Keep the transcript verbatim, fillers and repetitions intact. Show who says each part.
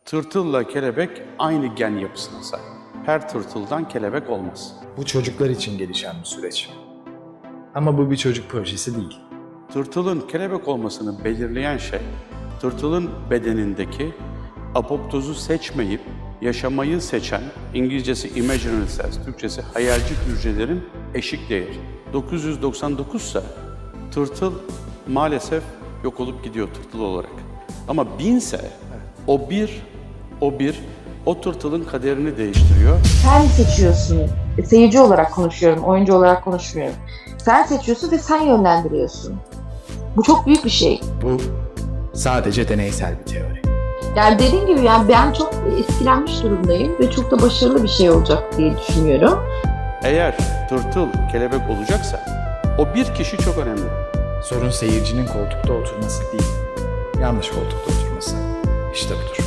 Speaker 1: Tırtılla kelebek aynı gen yapısına sahip. Her tırtıldan kelebek olmaz.
Speaker 2: Bu çocuklar için gelişen bir süreç. Ama bu bir çocuk projesi değil.
Speaker 1: Tırtılın kelebek olmasını belirleyen şey, tırtılın bedenindeki apoptozu seçmeyip yaşamayı seçen, İngilizcesi imaginary cells, Türkçesi hayalci hücrelerin eşik değeri. dokuz yüz doksan dokuz ise tırtıl maalesef yok olup gidiyor tırtıl olarak. Ama bin ise o bir, o bir, o tırtılın kaderini değiştiriyor.
Speaker 3: Sen seçiyorsun. E, Seyirci olarak konuşuyorum, oyuncu olarak konuşmuyorum. Sen seçiyorsun ve sen yönlendiriyorsun. Bu çok büyük bir şey.
Speaker 2: Bu sadece deneysel bir teori.
Speaker 3: Yani dediğim gibi yani ben çok etkilenmiş durumdayım ve çok da başarılı bir şey olacak diye düşünüyorum.
Speaker 1: Eğer tırtıl kelebek olacaksa o bir kişi çok önemli.
Speaker 2: Sorun seyircinin koltukta oturması değil, yanlış koltukta oturması. İşte budur.